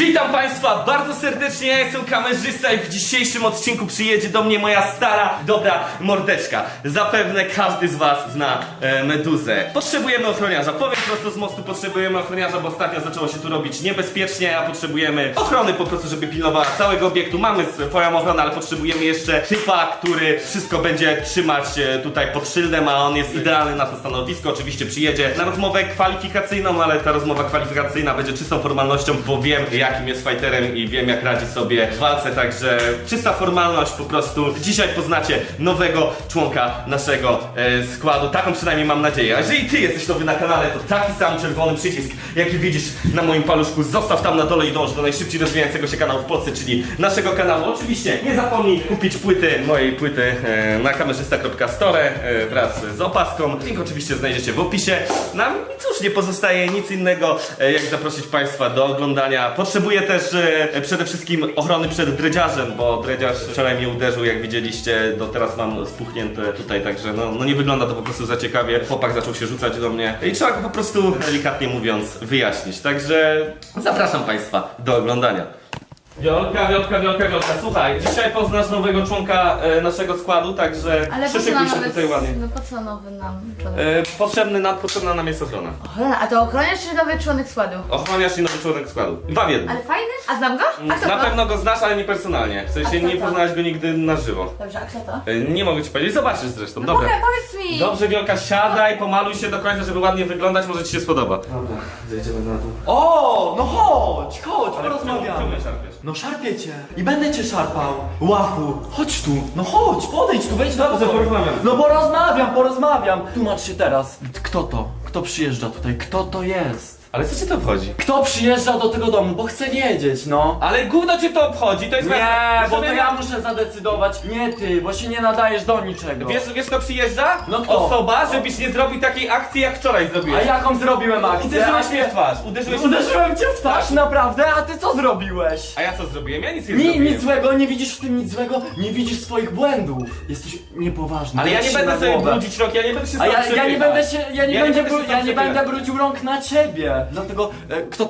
Witam Państwa bardzo serdecznie, ja jestem kamerzysta i w dzisiejszym odcinku przyjedzie do mnie moja stara, dobra mordeczka. Zapewne każdy z Was zna Meduzę. Potrzebujemy ochroniarza, powiem prosto z mostu, potrzebujemy ochroniarza, bo ostatnio zaczęło się tu robić niebezpiecznie, a potrzebujemy ochrony po prostu, żeby pilnowała całego obiektu. Mamy swoją ochronę, ale potrzebujemy jeszcze typa, który wszystko będzie trzymać tutaj pod szyldem, a on jest idealny na to stanowisko. Oczywiście przyjedzie na rozmowę kwalifikacyjną, ale ta rozmowa kwalifikacyjna będzie czystą formalnością, bo wiem jakim jest fighterem i wiem jak radzi sobie w walce, także czysta formalność po prostu. Dzisiaj poznacie nowego członka naszego składu, taką przynajmniej mam nadzieję. A jeżeli ty jesteś nowy na kanale, to taki sam czerwony przycisk, jaki widzisz na moim paluszku, zostaw tam na dole i dąż do najszybciej rozwijającego się kanału w Polsce, czyli naszego kanału. Oczywiście nie zapomnij kupić mojej płyty na kamerzysta.store wraz z opaską. Link oczywiście znajdziecie w opisie. Nam cóż, nie pozostaje nic innego jak zaprosić Państwa do oglądania. Potrzebuję też przede wszystkim ochrony przed dredziarzem, bo dredziarz wczoraj mnie uderzył, jak widzieliście, do teraz mam spuchnięte tutaj, także no nie wygląda to po prostu za ciekawie. Chłopak zaczął się rzucać do mnie i trzeba go po prostu, delikatnie mówiąc, wyjaśnić. Także zapraszam Państwa do oglądania. Wiolka, słuchaj, dzisiaj poznasz nowego członka naszego składu, także Ale po co przyszykuj nam się nowy, tutaj ładnie. no po co nowy nam członek? Potrzebna nam jest ochrona. Ochrona, a to ochroniarz czy nowy członek składu? Ochroniarz i nowy członek składu. Dwa w jednym. Ale fajny? A znam go? A kto Na to? pewno go znasz, ale nie personalnie. W A sensie kto nie to? poznałeś go nigdy na żywo. Dobrze, a kto to? Nie mogę ci powiedzieć, zobaczysz zresztą, No dobra. powiedz mi! Dobrze, Wielka, siadaj, pomaluj się do końca, żeby ładnie wyglądać, może ci się spodoba. Dobra, zejdziemy na dół. O, no chodź, porozmawiamy. Czemu szarpiesz? No szarpię cię i będę cię szarpał. Łachu, chodź tu, no chodź, podejdź tu, wejdź do Dobrze, porozmawiam. No porozmawiam. Tłumacz się teraz. Kto to? Kto przyjeżdża tutaj? Kto to jest? Ale co cię to obchodzi? Kto przyjeżdża do tego domu? Bo chcę wiedzieć, no. Ale gówno cię to obchodzi, to jest Nie, bo to żeby- ja muszę zadecydować, nie ty, bo się nie nadajesz do niczego. Wiesz kto przyjeżdża? No kto? Osoba, żebyś nie zrobił takiej akcji jak wczoraj A zrobiłeś. jaką zrobiłem akcję? Uderzyłeś A mnie ty- w twarz, uderzyłeś Uderzyłem cię w twarz, naprawdę? A ty co zrobiłeś? A ja co zrobiłem? Ja nic nie zrobiłem. Nic złego, nie widzisz w tym nic złego, nie widzisz swoich błędów. Jesteś niepoważny. Ale ja nie Patrz się będę na sobie głowę. brudzić rąk, ja nie będę się A ja sam nie przepychać. będę się, ja nie będę przepychać. brudził rąk na ciebie. Dlatego, kto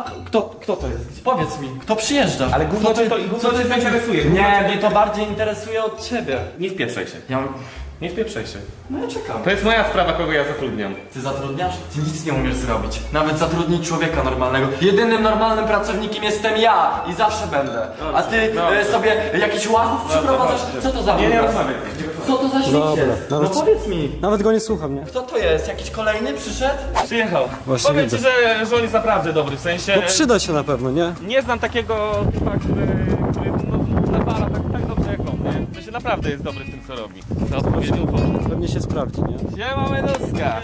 to jest? Powiedz mi, kto przyjeżdża? Ale gówno Kto cię to- gówno cię to interesuje, gówno Nie, cię- mnie to bardziej interesuje od ciebie. Nie wpieprzaj się. Nie wpieprzaj się. No ja czekam. To jest moja sprawa, kogo ja zatrudniam. Ty zatrudniasz? Ty nic nie umiesz zrobić. Nawet zatrudnić człowieka normalnego. Jedynym normalnym pracownikiem jestem ja i zawsze będę. A ty sobie jakichś łachów przyprowadzasz? Co to za Nie obraz? rozmawiaj. Co to za śmieć Dobra, jest? No nawet- powiedz mi. Nawet go nie słucham, nie? Kto to jest? Jakiś kolejny przyszedł? Przyjechał. Właśnie Powiem widzę. ci, że on jest naprawdę dobry, w sensie... No przyda się na pewno, nie? Nie znam takiego typa, który nawala tak dobrze jak on, nie? W sensie naprawdę jest dobry w tym, co robi. Za odpowiednią porę. Pewnie się sprawdzi, nie? Siema, Meduska!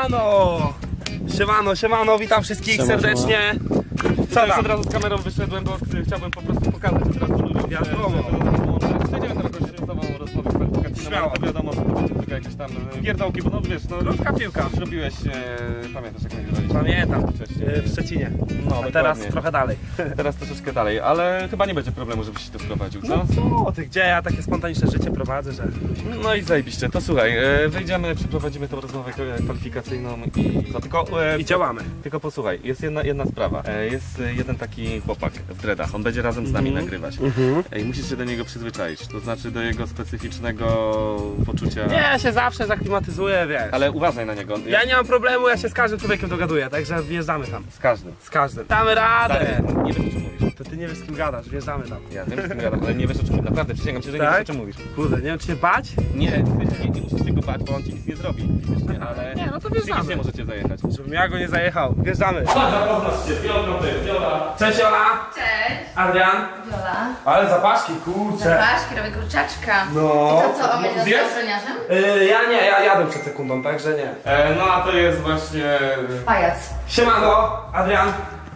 Siemano, witam wszystkich Siema, serdecznie. Co już od razu z kamerą wyszedłem, bo chciałbym po prostu pokazać od razu ludziom, Wiadomo. Przejdziemy teraz właśnie z tobą rozmowę kwalifikacyjną, Śmiało. ale to wiadomo, że to będzie tylko jakieś tam pierdołki, bo no wiesz, no Krótka piłka. zrobiłeś, pamiętasz jak nagrywaliśmy? Pamiętam, Wcześniej. w Szczecinie. No, A teraz dokładnie. trochę dalej. Teraz troszeczkę dalej, ale chyba nie będzie problemu, żebyś się tu wprowadził, co? No ty gdzie ja takie spontaniczne życie prowadzę, że... No i zajebiście, to słuchaj, wejdziemy, przeprowadzimy tą rozmowę kwalifikacyjną i co, tylko... I działamy. Tylko posłuchaj, jest jedna sprawa. Jest jeden taki chłopak w dreadach, on będzie razem z nami nagrywać. I musisz się do niego przyzwyczaić, to znaczy do jego specyficznego poczucia... Nie, ja się zawsze zaklimatyzuję, wiesz. Ale uważaj na niego, Ja nie mam problemu, ja się z każdym człowiekiem dogaduję, także wjeżdżamy tam. z każdym. Z każdym. Damy radę! Nie wiesz o czym mówisz. To ty nie wiesz z kim gadasz, wjeżdżamy tam. Ja wiem, z kim gadam, ale nie wiesz o czym mówisz. Naprawdę, przysięgam ci, że nie Tak? wiesz o czym mówisz. Kurde, nie wiem czy się bać? Nie musisz tego bać, bo on ci nic nie zrobi fizycznie, ale... Nie, no to wjeżdżamy. Nie możecie zajechać. Żebym ja go nie zajechał. Wjeżdżamy. Poznasz się, Wiolka, to jest Wiola. Cześć Ola! Cześć! Adrian! Wiola. Ale zapaszki, kurczę. Zapraszki, robię kurczaczka. No. I to co, on będzie Zjesz? z ochroniarzem? Ja jadę przed sekundą, także nie. No a to jest właśnie... Pajac. Siemano, Adrian.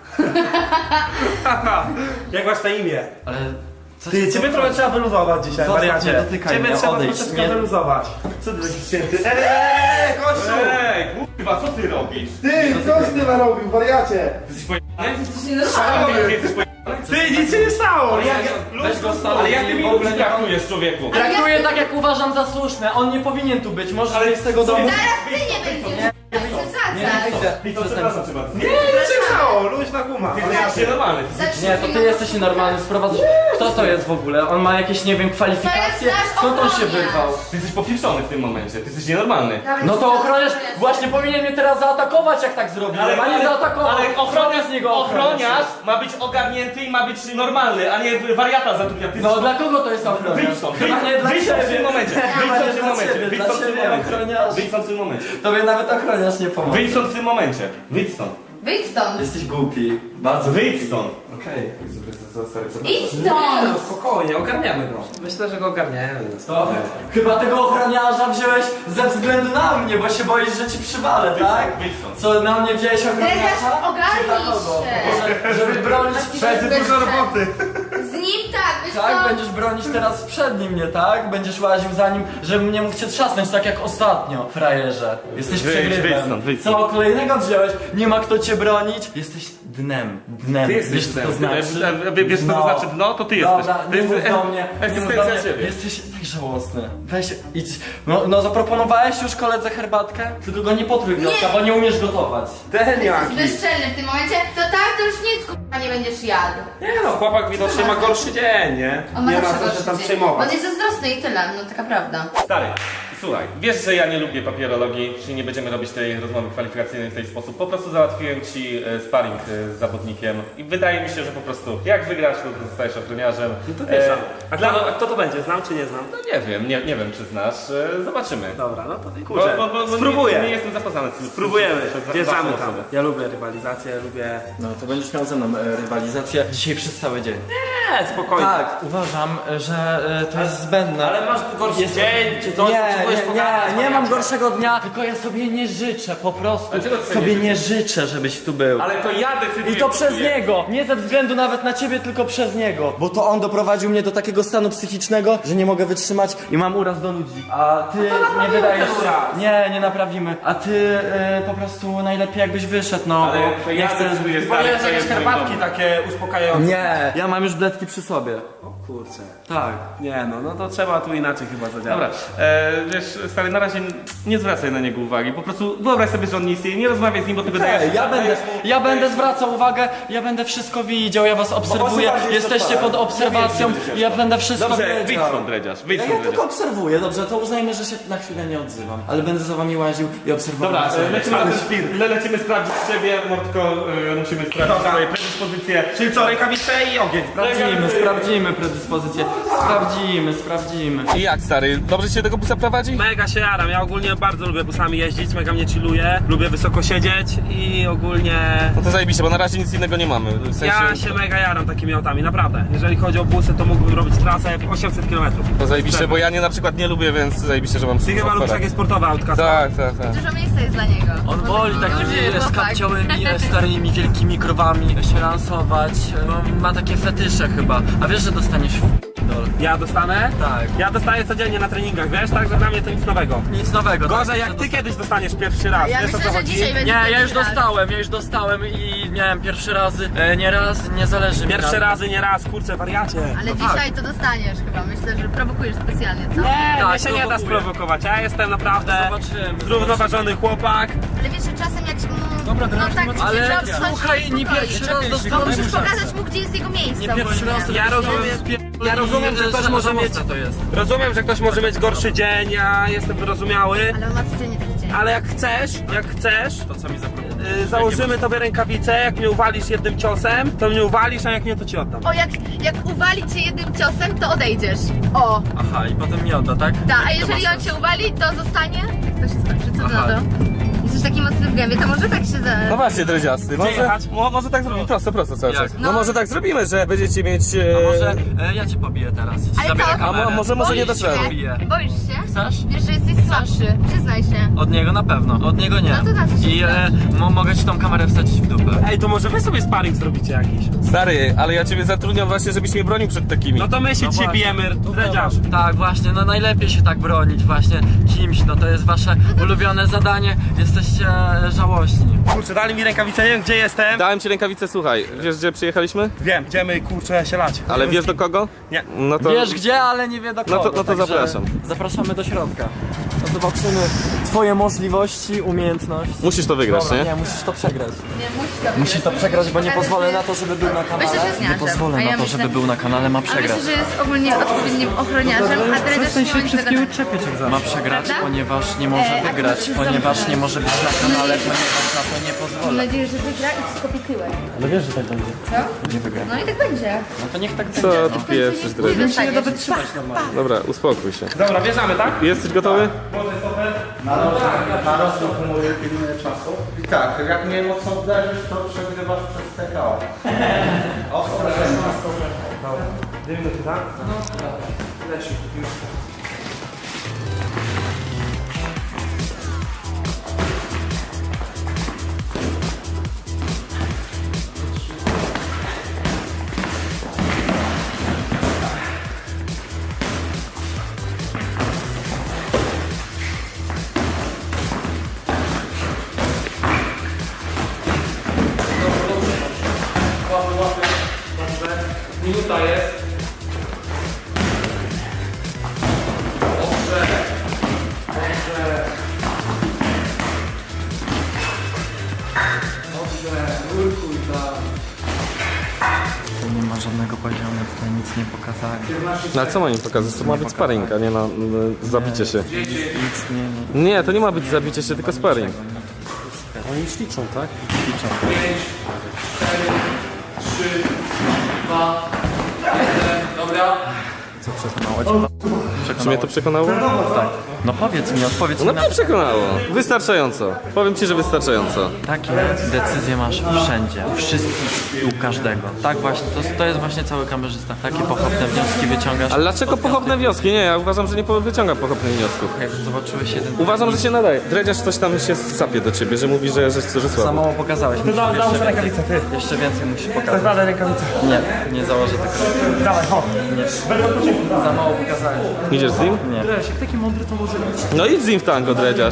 Jak masz na imię? Ale... Co Ty, ciebie trochę trzeba wyluzować dzisiaj, Zostaw, wariacie. nie dotykaj Ciebie mnie, trzeba odejdź, troszeczkę nie- wyluzować. Co ty taki święty? Kościół! Ej, kurwa, co ty robisz? Ty, coś ty narobił, wariacie! Jesteś pojebany? Jesteś nienormalny. Jesteś pojebany? Ty, nic się nie stało! Weź go stąd Ale jak ty i mi w ogóle ludzi nie traktujesz, człowieku? Traktuję tak jak uważam za słuszne, on nie powinien tu być, może jest z tego domu. Zaraz ty nie będziesz. Nie Przesadzać. wyjdę. I co, przepraszam cię bardzo. Nie, nic się nie stało? Luźna guma. Ty jesteś nienormalny. Nie, to ty jesteś nienormalny, sprowadzasz... Kto to jest w ogóle? On ma jakieś, nie wiem, kwalifikacje? To jest nasz Skąd on się ochroniarz. wyrwał? Ty jesteś popieprzony w tym momencie, ty jesteś nienormalny. No to ochroniarz właśnie powinien mnie teraz zaatakować, jak tak zrobił. A nie zaatakował. Ale ochroniarz, z niego ochroniarz ma być ogarnięty i ma być normalny, a nie wariata zatrudnia. Ty No dla kogo to jest ochroniarz? Wyjdź stąd, Chyba nie dla wyjdź stąd w ciebie. tym momencie, wyjdź stąd w tym dla momencie, ciebie, wyjdź dla stąd w tym ciebie, momencie, ochroniarz. wyjdź stąd w tym momencie, Tobie nawet ochroniarz nie pomoże. wyjdź stąd w tym momencie, wyjdź stąd, Wyjdź stąd. Jesteś głupi. Bardzo wyjdź stąd. Okej. Idź stąd. No spokojnie, ogarniamy go. Myślę, że go ogarniemy. To chyba tego ochroniarza wziąłeś ze względu na mnie, bo się boisz, że ci przywalę, tak? Wyjdź stąd. Co, na mnie wziąłeś ochroniarza? Dredziarz, ogarnij Czy dla kogo? się. Żeby bronić Będzie dużo roboty. Z nim tak, wiesz Tak, co? będziesz bronić teraz przed nim, nie tak? Będziesz łaził za nim, żebym nie mógł cię trzasnąć, tak jak ostatnio, frajerze. Jesteś Wyjdź, przegrywem. wyjdź stąd, wyjdź stąd. Co, kolejnego wziąłeś? Nie ma kto cię bronić? Jesteś dnem. Ty jesteś Wiesz, co to znaczy? Wiesz co to znaczy dno? To ty jesteś. Dobra, To nie jest mów do mnie. Nie mów do egzystencja mnie. ciebie. Jesteś tak żałosny. Weź, idź. No zaproponowałeś już koledze herbatkę? Tylko go nie potrój, Wiotka, bo nie umiesz gotować. Jesteś bezczelny w tym momencie. To tak, to już nic k***a nie będziesz jadł. Nie no, chłopak widocznie ma gorszy dzień, nie? On ma Nie ma zawsze co się gorszy tam dzień. przejmować. On jest zazdrosny i tyle, no taka prawda. Stary, słuchaj, wiesz, że ja nie lubię papierologii, czyli nie będziemy robić tej rozmowy kwalifikacyjnej w ten sposób. Po prostu załatwiłem ci sparring z zawodnikiem i wydaje mi się, że po prostu jak wygrasz, to zostajesz ochroniarzem. To wiesz, a kto to będzie? Znam czy nie znam? No nie wiem, nie wiem czy znasz, zobaczymy. Dobra, no to kurczę, Bo spróbuję. Nie jestem zapoznany. Spróbujemy, wjeżdżamy waszą tam. osobę. Ja lubię rywalizację, lubię... No to będziesz miał ze mną rywalizację dzisiaj przez cały dzień. Nie, spokojnie. Tak, uważam, że to jest zbędne. Ale masz gorszy dzień, czy coś? Nie mam gorszego dnia, tylko ja sobie nie życzę, po prostu A czego ty sobie nie nie życzę, żebyś tu był. Ale to ja decyduję. I to co przez tu jest. niego, nie ze względu nawet na ciebie, tylko przez niego. Bo to on doprowadził mnie do takiego stanu psychicznego, że nie mogę wytrzymać i mam uraz do ludzi. A ty nie wydajesz ten uraz. Nie naprawimy. A ty po prostu najlepiej jakbyś wyszedł, no Ale bo to nie ja chcę... decyduję, stary, Powinieneś co jakieś jest w moim herbatki domu. takie uspokajające. Nie, ja mam już bledki przy sobie. O kurczę. Tak. Nie no to trzeba tu inaczej chyba zadziałać. Dobra, wiesz, stary, na razie nie zwracaj na niego uwagi. Po prostu wyobraź sobie, że on nie istnieje, nie rozmawiaj z nim, bo ty wydajesz... Ja będę zwracał uwagę, ja będę wszystko widział, ja was obserwuję, jesteście pod obserwacją, ja będę wszystko Dobrze, wyjdź wiedział. stąd, dredziarz, wyjdź Ja stąd, tylko dredziarz. obserwuję, dobrze, to uznajmy, że się na chwilę nie odzywam, ale będę za wami łaził i obserwował. Dobra, sobie. lecimy sprawdzić siebie, Mordko, musimy sprawdzić swoje predyspozycje. Czyli co, rękawice i ogień. Sprawdzimy predyspozycję, sprawdzimy. I jak, stary, dobrze ci się tego busa prowadzi? Mega się jaram, ja ogólnie bardzo lubię busami jeździć, mega mnie chilluje, lubię wysoko siedzieć i ogólnie No to zajebiście, bo na razie nic innego nie mamy. W sensie, ja się mega jaram takimi autami, naprawdę. Jeżeli chodzi o busy, to mógłbym robić trasę 800 km. to zajebiście, bo ja nie na przykład nie lubię, więc zajebiście, że mam Ty chyba lubisz takie sportowe autka. Tak. Dużo miejsca jest dla niego. On woli takimi chłopak. skapciałymi, starymi, wielkimi krowami się lansować, ma takie fetysze chyba. A wiesz, że dostaniesz dol. Ja dostanę? Tak. Ja dostaję codziennie na treningach, wiesz, także dla mnie to nic nowego. Nic nowego. Gorzej tak, jak że ty kiedyś dostaniesz pierwszy raz, Ja wiesz o myślę, co że chodzi? dzisiaj będzie Nie, ja już pierwszy raz. dostałem i miałem pierwszy razy, nie raz, nie zależy mi Pierwszy na- razy, nie raz, kurczę, wariacie. Ale dzisiaj to dostaniesz chyba. Myślę, że prowokujesz specjalnie, co? Nie, Tak, mnie się nie da prowokuję. sprowokować, ja jestem naprawdę Zobaczymy. zrównoważony chłopak. Ale wiesz, że czasem jak się... no tak, Ale trzeba wstać słuchaj, nie spokojnie. pierwszy raz To dostałem musisz szansę. pokazać mu, gdzie jest jego miejsce. Nie pierwszy ogólnie. raz. Ja rozumiem, że ktoś może mieć... to jest. Rozumiem, że ktoś może mieć gorszy dzień, ja jestem wyrozumiały. Ale on ma codziennie taki dzień. Ale jak chcesz, To co mi zaproponujesz? założymy tobie rękawice, jak mnie uwalisz jednym ciosem, to mnie uwalisz, a jak nie, to ci oddam. O, jak uwali cię jednym ciosem, to odejdziesz. O, Aha, i potem mi odda, tak? tak, a jeżeli on cię uwali, to zostanie? To się skończy, co ty na Aha. to? Jesteś taki mocny w gębie, to może tak się No właśnie, dredziasty, jechać? może tak zrobimy, prosto cały Jak? czas. No może tak zrobimy, że będziecie mieć... A może ja cię pobiję teraz i ci Ale zabiorę co? kamerę. A może nie Boisz da się? robię. Boisz się? Chcesz? Wiesz, że jesteś słabszy, przyznaj się. Od niego na pewno, od niego nie. No to na co się I znasz? mogę ci tą kamerę wsadzić w dupę. Ej, to może wy sobie sparring zrobicie jakiś? Stary, ale ja ciebie zatrudniam właśnie, żebyś mnie bronił przed takimi. No to my się No dzisiaj właśnie. bijemy, dredziarz. Tak, właśnie, no najlepiej się tak bronić właśnie kimś, no to jest wasze ulubione zadanie, jesteście żałośni. Kurczę, dali mi rękawice, nie wiem gdzie jestem. Dałem ci rękawicę, słuchaj, wiesz gdzie przyjechaliśmy? Wiem, idziemy kurczę się lać. Ale wiesz do kogo? Nie. No to... Wiesz gdzie, ale nie wie do kogo. No to także zapraszam. Zapraszamy do środka. No zobaczymy, twoje możliwości, umiejętności. Musisz to wygrać, Dobra, nie? nie, musisz to przegrać. Nie, Musi to przegrać, bo nie pozwolę na to, żeby był na kanale. Myślę, że jest Nie niaczem. pozwolę A ja na to, myślę- żeby był na kanale, ma A przegrać. myślę, że jest ogólnie odpowiednim ochroniarzem, a dredziarz nie ma nic do gadania. czepiać jak zawsze. Ma przegrać, Prawda? ponieważ nie może a wygrać, ty się ponieważ zamknąć. nie może być na kanale, ponieważ na to nie Mam pozwolę. nadzieję, że wygra i wszystko pityłek. Ale wiesz, że tak będzie. Co? Nie wygra. No i tak będzie. No to niech tak Co będzie. ty No. pieprzysz, dredziarz? Nie da wytrzymać normalnie. Dobra, uspokój się. Dobra, bierzemy, tak? Jesteś gotowy? Narost akumuluje pilne czasu. I tak, jak mnie mocno uderzysz, to przegrywasz przez TKO. Dwie minuty, tak? Leci. Minuta jest. Dobrze. Dobrze. Dobrze. Nurkuj tam. Tu nie ma żadnego poziomu, tutaj nic nie pokazali. No ale co ma im pokazać? To ma być sparring, a nie na zabicie się. Nic nie... Nie, to nie ma być zabicie się, tylko sparring. Oni już liczą, tak? 5, 4, 3, 2, 1. Dobra. Co przekonało cię? Czy mnie to przekonało? Tak. No powiedz mi, odpowiedz No mi na mnie przekonało. Wystarczająco. Powiem ci, że wystarczająco. Takie decyzje masz wszędzie, u wszystkich i u każdego. Tak właśnie, to jest właśnie cały kamerzysta. Takie pochopne wnioski wyciągasz. Ale dlaczego pochopne wnioski? Nie, ja uważam, że nie wyciągam pochopnych wniosków. Jak zobaczyłeś jeden... Uważam, że się nadaje. Dredziarz coś tam się sapie do ciebie, że mówi, że Za słabo. mało pokazałeś. Musisz jeszcze rękawice, ty. Jeszcze więcej musisz pokazać. Zakładaj rękawice. Nie, nie założę tego. Dawaj, chodź. Za mało pokazałeś. Idziesz z nim? Nie. Jak taki mądry to może być. No idź z nim w tango, Dredziarz.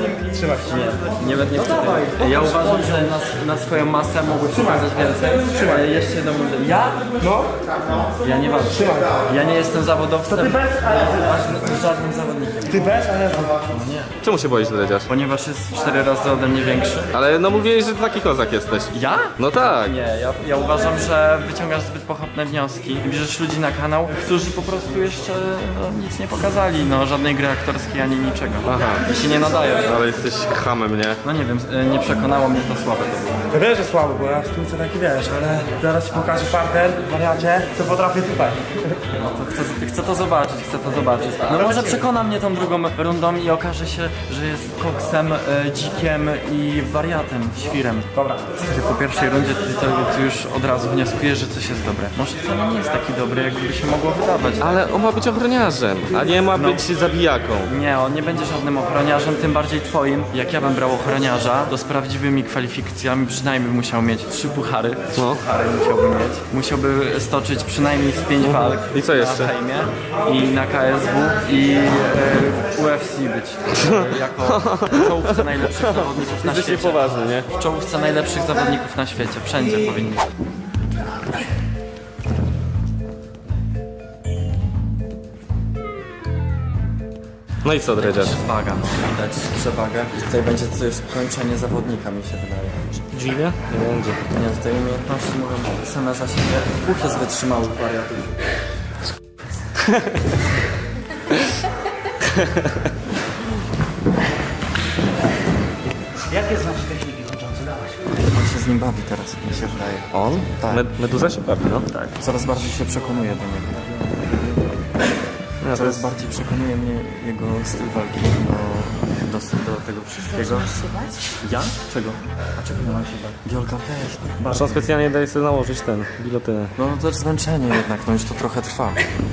Nie chcę tego. Ja uważam, że na swoją masę mogłeś pokazać więcej. Trzymaj. Jeszcze jedną rundę. Ja? No. Ja nie walczę. Ja nie jestem zawodowcem. Ty bez, ale Żadnym zawodnikiem. ty bez, ale Czemu się boisz, Dredziarz? Ponieważ jest 4 razy ode mnie większy. Ale no mówiłeś, że taki kozak jesteś. Ja? No tak. Nie, ja uważam, że wyciągasz zbyt pochopne wnioski i bierzesz ludzi na kanał, którzy po prostu jeszcze nic nie pokazali, no żadnej gry aktorskiej ani niczego. Aha. I się nie nadaje. Ale jesteś hamem, nie? No nie wiem, nie przekonało mnie to słabe to było. ja wiesz, że słabo, bo ja w sztuce taki wiesz, ale zaraz ci pokażę partner, wariacie, co potrafię tutaj. No to chcę to zobaczyć, No może przekona mnie tą drugą rundą i okaże się, że jest koksem, dzikiem i wariatem, świrem. Dobra. Stary, po pierwszej rundzie ty już od razu wnioskujesz, że coś jest dobre. Może wcale nie jest taki dobry, jakby się mogło wydawać. Ale on ma być ochroniarzem, a nie ma być zabijaką. Nie, on nie będzie żadnym ochroniarzem, tym bardziej twoim. Jak ja bym brał ochroniarza, to z prawdziwymi kwalifikacjami przynajmniej musiał mieć 3 puchary. 3 No. puchary musiałby mieć. Musiałby stoczyć przynajmniej z 5 walk. I co jeszcze? Na fejmie i na KSW i UFC być. Jako w czołówce najlepszych zawodników na Jesteś świecie. niepoważny, nie? W czołówce najlepszych zawodników na świecie. Wszędzie powinni. No i co, Dredziarz? Waga, widać przewagę. I tutaj będzie to jest kończenie zawodnika, mi się wydaje. Dziwnie? Nie będzie. Nie, tutaj umiejętności mówią same za siebie. Uch jest wytrzymałych wariatów. Jakie znasz techniki kończące? Dawać. On się z nim bawi teraz, mi się wydaje. On? Tak. Meduza się bawi, no. Tak. Coraz bardziej się przekonuje do niego. No, Coraz bardziej przekonuje mnie jego styl walki do tego wszystkiego. Ja? Czego? A czego nie mam się bać? Wiolka, weź. Aż on specjalnie daje sobie nałożyć ten bilotynę. No to też zmęczenie jednak, no już to trochę trwa.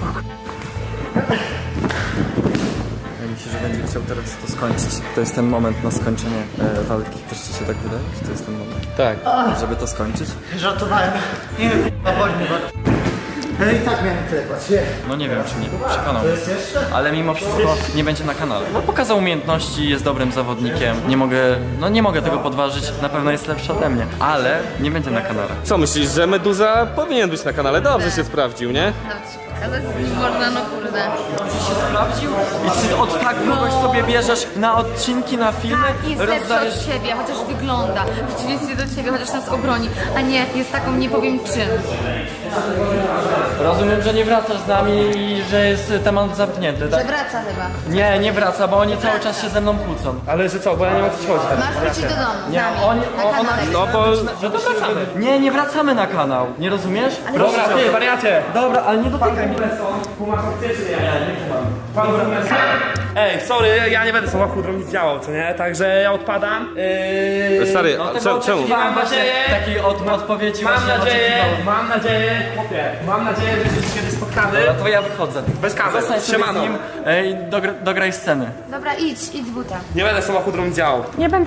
Ja myślę, że będzie chciał teraz to skończyć. To jest ten moment na skończenie walki. Też ci się tak wydaje, że to jest ten moment? Tak. Żeby to skończyć? Żartowałem. Nie wiem, chodź mi. I tak miałem klepać, nie. No nie wiem, czy mnie przekonał. Ale mimo wszystko nie będzie na kanale. No pokazał umiejętności, jest dobrym zawodnikiem. Nie mogę tego podważyć, na pewno jest lepszy ode mnie. Ale nie będzie na kanale. Co myślisz, że Meduza powinien być na kanale? Dobrze się sprawdził, nie? Nawet się pokazać można, no kurde. Dobrze się sprawdził? I ty od tak kogoś sobie bierzesz na odcinki, na filmy, Tak, jest lepszy od ciebie, chociaż wygląda. W przeciwieństwie do ciebie, chociaż nas obroni. A nie, jest taką nie powiem czym. Rozumiem, że nie wracasz z nami i że jest temat zamknięty, Że tak? wraca chyba. Nie wraca, bo oni cały czas się ze mną kłócą. Ale że co, bo ja nie wiem o co ci chodzi teraz. Masz wrócić do domu z Nie, nami, na ona kanale. No bo... Że to wracamy. Nie wracamy na kanał, nie rozumiesz? Dobra, ty, wariacie. Dobra, ale nie dotykaj mnie. Kumasz opcję, czy nie? Nie, Ej, sorry, ja nie będę samochodu nic działał, co nie? Także ja odpadam. Stary, No, a tego czemu? oczekiwałem właśnie nadzieję- takiej odpowiedzi Mam właśnie nadzieję, chłopie, mam nadzieję, że się kiedyś spotkamy. Dobra, to ja wychodzę. Bez kamer, Zostań sobie z siemano. nim i dograj sceny. Dobra, idź z buta. Nie będę samochodu nic działał.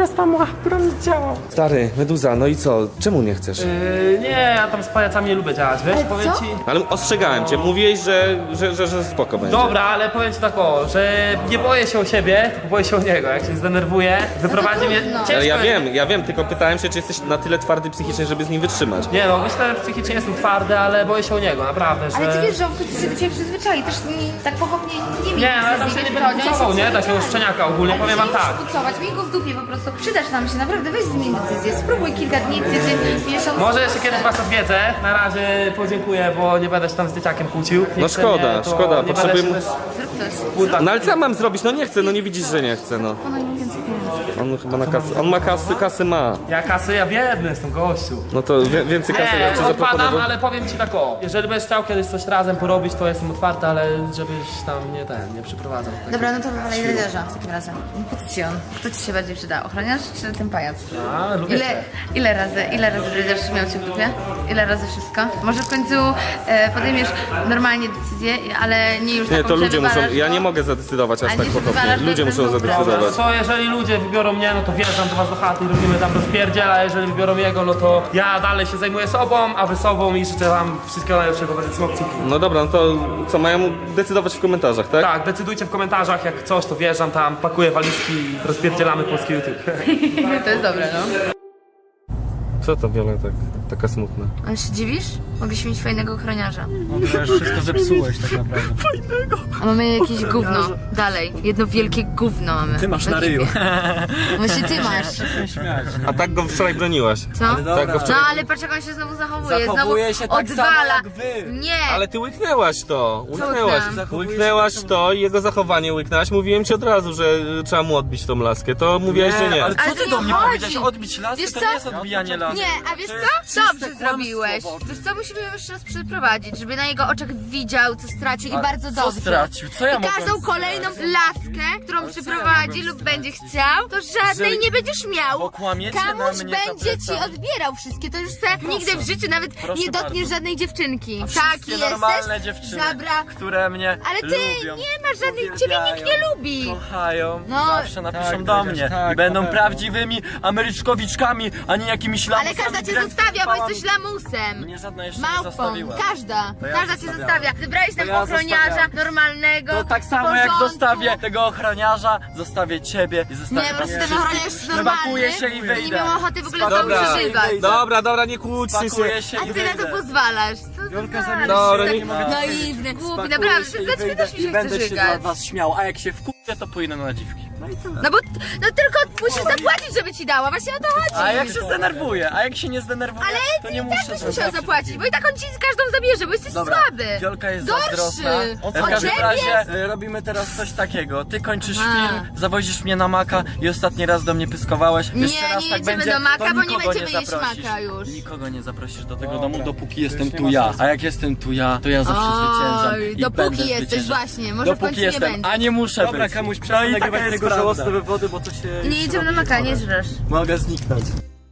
Stary, Meduza, no i co? Czemu nie chcesz? Nie, ja tam z pajacami nie lubię działać, wiesz, Ale powiem co? ci. Ale ostrzegałem cię, mówiłeś, że spoko będzie. Dobra, ale powiem ci tak o, że nie boję się o siebie, tylko boję się o niego. Jak się zdenerwuję, wyprowadzi mnie. trudno. Ciężko Ale jest. ja wiem, tylko pytałem się, czy jesteś na tyle twardy psychicznie, żeby z nim wytrzymać. Nie no, myślę, że psychicznie jestem twardy, ale boję się o niego, naprawdę, że... Ale ty wiesz, że on w końcu się do ciebie przyzwyczai, też tak pochopnie nie miej Nie, ale tam się nie będę kucował, nie? Takiego szczeniaka ogólnie, powiem wam tak. Kucować, miej go w dupie po prostu. Przydasz nam się, naprawdę, weź zmień decyzję, spróbuj kilka dni, tydzień, miesiąc. Może jeszcze kiedyś was odwiedzę, na razie podziękuję, bo nie będę się tam z dzieciakiem kłócił. Nie No chce szkoda, mnie, to szkoda, nie będę potrzebujemy- się też Zrób coś. kłótać. No ale co ja mam zrobić? No nie chcę, no nie widzisz, że nie chcę, no. Ono im więcej pieniędzy. On chyba na kasy, on ma kasy ma. Ja kasy, ja biedny jestem, gościu. No to więcej kasy ja ci Nie, odpadam, zaproponował. ale powiem ci tak o, jeżeli będziesz chciał kiedyś coś razem porobić, to jestem otwarty, ale żebyś tam nie przyprowadzał. Dobra, no to wywalaj dredziarza w takim razie. Po co ci on? Kto ci się bardziej przyda? Ochroniarz czy ten pajac? A, lubię cię. Ile razy dredziarz miał cię w dupie? Ile razy wszystko? Może w końcu podejmiesz normalnie decyzję, ale nie już Nie, taką, to że ludzie muszą, wywalasz ja go. nie mogę zadecydować aż A tak nie, że pochopnie. wywalasz go Ludzie bez muszą dobra. Dobra, zadecydować. no to jeżeli ludzie wybiorą mnie, no to wjeżdżam do was do chaty i robimy tam rozpierdziel, a jeżeli wybiorą jego, no to ja dalej się zajmuję sobą, a wy sobą i życzę wam wszystkiego najlepszego, będę trzymał kciuki. No dobra, no to co, mają decydować w komentarzach, tak? Tak, decydujcie w komentarzach, jak coś, to wjeżdżam tam, pakuję walizki i rozpierdzielamy polski YouTube. To jest dobre, no. Co to Wiola taka smutna? Ale się dziwisz? Mogliśmy mieć fajnego ochroniarza. No to już wszystko zepsułeś tak naprawdę. A mamy jakieś gówno. Dalej. Jedno wielkie gówno mamy. Ty masz w na ekipie. ryju. Właśnie ty masz. Nie śmiać. A tak go wczoraj broniłaś. Co? Tak go No wczoraj... ale patrz jak on się znowu zachowuje. Zachowuje Znowu się tak samo odwala. jak wy. Nie. Ale ty łyknęłaś to, łyknęłam? łyknęłaś to i jego zachowanie łyknęłaś. Mówiłem ci od razu, że trzeba mu odbić tą laskę, to mówiłaś, że nie. Ale Ale co to ty nie do mnie chodzi. powiedziałeś? Odbić laskę Wiesz to co? nie jest odbijanie lasy. Nie, a wiesz To co? jest czyste Dobrze kłamstwo, zrobiłeś. Boże. Wiesz co? Musimy ją jeszcze raz przeprowadzić, żeby na jego oczach widział, co stracił i A bardzo co dobrze. stracił? Co ja I mogłem każdą kolejną laskę, którą przyprowadzi lub będzie chciał, to żadnej Że- nie będziesz miał. Bo kłamiecie na Kamuś mnie za będzie ci plecami. odbierał wszystkie, to już se nigdy w życiu nawet Proszę nie dotkniesz bardzo. żadnej dziewczynki. A Taki wszystkie normalne jesteś, dziewczyny, zabra. które mnie Ale ty lubią, nie masz żadnej, ciebie nikt nie lubi. kochają, No. zawsze napiszą Tak, do Dredziarz, mnie tak, i będą na pewno. prawdziwymi Ameryczkowiczkami, a nie jakimiś lamusami. Ale każda cię grać zostawia, bo pałami. jesteś lamusem. Mnie żadna jeszcze nie Małpą, zostawiła. każda. To ja Każda cię zostawiałem. zostawia. Wybrałeś nam To ja ochroniarza zostawiam. normalnego. To tak w samo jak porządku. zostawię tego ochroniarza, zostawię ciebie i zostawię Nie, po prostu was ten ochroniarz jest normalny. Spakuję się i Nie wyjdę. miał ochoty w ogóle z Dobra. tobą przeżywać. Dobra, nie kłóćcie się. Spakuję się A i ty wyjdę. na to pozwalasz. Dobra, tak nie mogę naiwny, głupi, Spakuję naprawdę. się i Dlaczego wyjdę też mi i się chce będę się żygać? za was śmiał, a jak się wkurzę, to pójdę na dziwki. No i tyle. No tylko musisz zapłacić, żeby ci dała. Właśnie o to chodzi. A jak się zdenerwuję, a jak się nie zdenerwuję, Ale to ty nie i muszę tak byś musiał zrobić. zapłacić, bo i tak on ci z każdą zabierze, bo jesteś Dobra, słaby. Wiolka jest Gorszy. zazdrosna. Od W każdym ciebie? razie robimy teraz coś takiego. Ty kończysz A. film, zawozisz mnie na Maka i ostatni raz do mnie pyskowałeś. Nie, Jeszcze raz nie tak jedziemy będzie, do Maka, to bo nie nikogo będziemy jeść zaprosisz. Maka już. Nikogo nie zaprosisz do tego domu, dopóki jestem tu ja. A jak jestem tu ja, to ja zawsze zwyciężam. Oj, I dopóki będę jesteś zwyciężał. właśnie, może w Dopóki końcu nie jestem, będzie. a nie muszę Dobra, być. Kamuś, No przestań i nagrywać taka jest tego prawda. żałosne wywody, bo to się... Nie jedziemy na Maka, nie żresz. Mogę zniknąć.